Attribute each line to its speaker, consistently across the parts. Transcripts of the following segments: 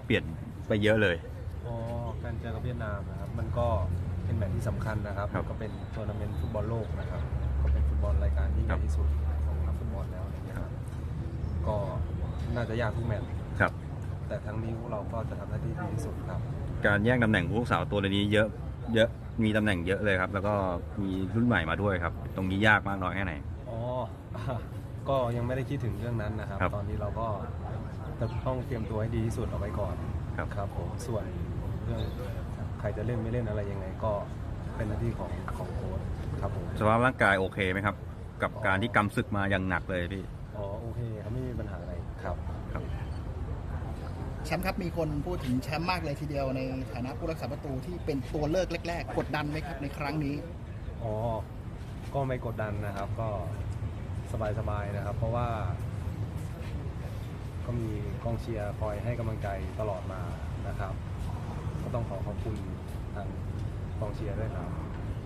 Speaker 1: เปลี่ยนไปเยอะเลย
Speaker 2: การเจอกับเวียดนามนะครับมันก็เป็นแมตช์ที่สำคัญนะครับก็เป็นทัวร์นาเมนต์ฟุตบอลโลกนะครับก็เป็นฟุตบอลรายการที่ใหญ่ที่สุดของนักฟุตบอลแล้วนะครับก็น่าจะยากทุกแมตช์
Speaker 1: ครับ
Speaker 2: แต่ทั้งนี้พวกเราก็จะทำหน้าที่ดีที่สุดครับ
Speaker 1: การแย่งตำแหน่งผู้รักษาตัวในนี้เยอะมีตำแหน่งเยอะเลยครับแล้วก็มีรุ่นใหม่มาด้วยครับตรงนี้ยากมากน้อยแค่ไหน
Speaker 2: ก็ยังไม่ได้คิดถึงเรื่องนั้นนะครับตอนนี้เราก็จะต้องเตรียมตัวให้ดีที่สุดเอาไว้ก่อนครับผมส่วนเรื่องใครจะเล่นไม่เล่นอะไรยังไงก็เป็นหน้าที่ของโค้ชครับผม
Speaker 1: สภาพร่างกายโอเคไหมครับกับการที่กำศึกมาอย่างหนักเลยพี่
Speaker 2: โอเคครับไม่มีปัญหาอะไรครับ
Speaker 3: แชมป์ครับมีคนพูดถึงแชมป์มากเลยทีเดียวในฐานะผู้รักษาประตูที่เป็นตัวเลิกแรกๆกดดันไหมครับในครั้งนี้
Speaker 2: ก็ไม่กดดันนะครับก็สบายๆนะครับเพราะว่าก็มีกองเชียร์คอยให้กำลังใจตลอดมานะครับก็ต้องขอบคุณทางกองเชียร์ด้วยครับ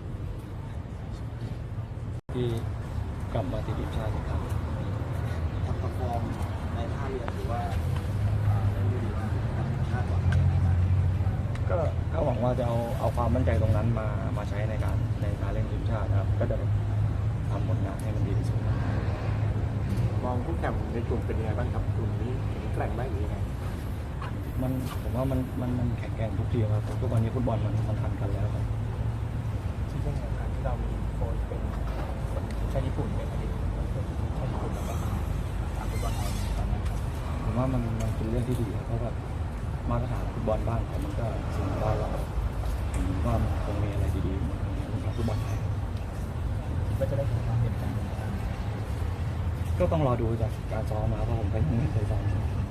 Speaker 2: ที่กลับมาติดทีมชาติครับ
Speaker 3: ทำประฟอร์มในท่าเรือหรือว่าเล่นดีมากคาดหวัง
Speaker 2: ก็หวังว่าจะเอาความมั่นใจตรงนั้นมาใช้ในการเล่นทีมชาตินะครับก็จะทำผลงานให้มันดีที่สุด
Speaker 3: มองคู่แข่งในกลุ่มเป็นยังไงบ้างครับกลุ่มนี้แข่งได้หรือยังไง
Speaker 2: ผมว่ามันแข็งแกร่งทุกทีครับทุกวันนี้ฟุตบอลมันทันกันแล้วครับ
Speaker 3: ที่เรื่องการที่เรามีโค้ชเป็นชาติญี่ปุ่นเป็นอดีตชาติญี่ปุ่นแล้วก็ทางฟุตบอลไทยตอนนั้นครับ
Speaker 2: ผมว่ามันเป็นเรื่องที่ดีเพราะว่ามาตรฐานฟุตบอลบ้านเขามันก็สูงกว่าเราผมว่ามันคงมีอะไรดีๆในฟุตบอลไทย
Speaker 3: ก็จะได้เห็นความเปลี่ยนแปลง
Speaker 2: ก็ต้องรอดูจากการซ้อมมาเพราะผมก็ยังไม่เคยซ้อม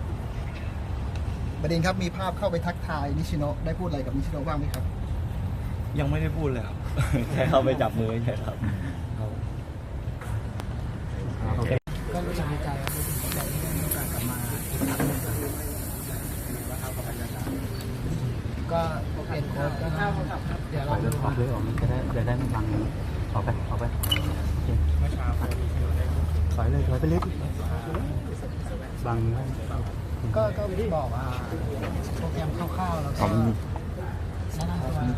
Speaker 3: ประเด็นครับมีภาพเข้าไปทักทายนิชิโนะได้พูดอะไรกับนิชิโนะบ้างไหมครับ
Speaker 2: ยังไม่ได้พูดเลยครับแค่เข้าไปจับมือใช่ครับ
Speaker 3: ก็รู้สึกดีใจครับรู้สึกดีใจที่ได้มีโอกาสกลับมาอีกครั้งหนึ่งครับว่าเขากับบรรยากาศก็เปลี่ยนโค้ชก็เดี๋ยวเราดู
Speaker 2: ออกเลยมันจะได้ไม่บังออกไป
Speaker 3: เมื่อเช้า
Speaker 2: ถอยไปเล็กบัง
Speaker 3: ก็บอกโปรแกรมคร่าวๆแล้วก็แนะนำตัว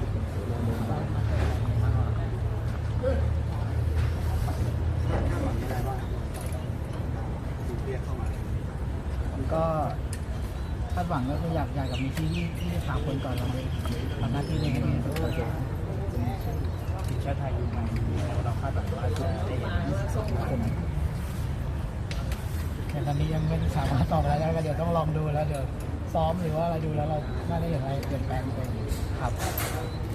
Speaker 3: ก็คาดหวังก็คืออยากกับมีที่3 คนก่อนเราเลยทำหน้าที่ในนี้ทีมชาติไทยอยู่มาเราคาดหวังว่าจะได้เห็น22 คนแต่ตอนนี้ยังไม่สามารถตอบอะไรได้ก็เดี๋ยวต้องลองดูแล้วเดี๋ยวซ้อมหรือว่าอะไรดูแล้วเราน่าจะเห็นอะไรเปลี่ยนแปลงไปครับ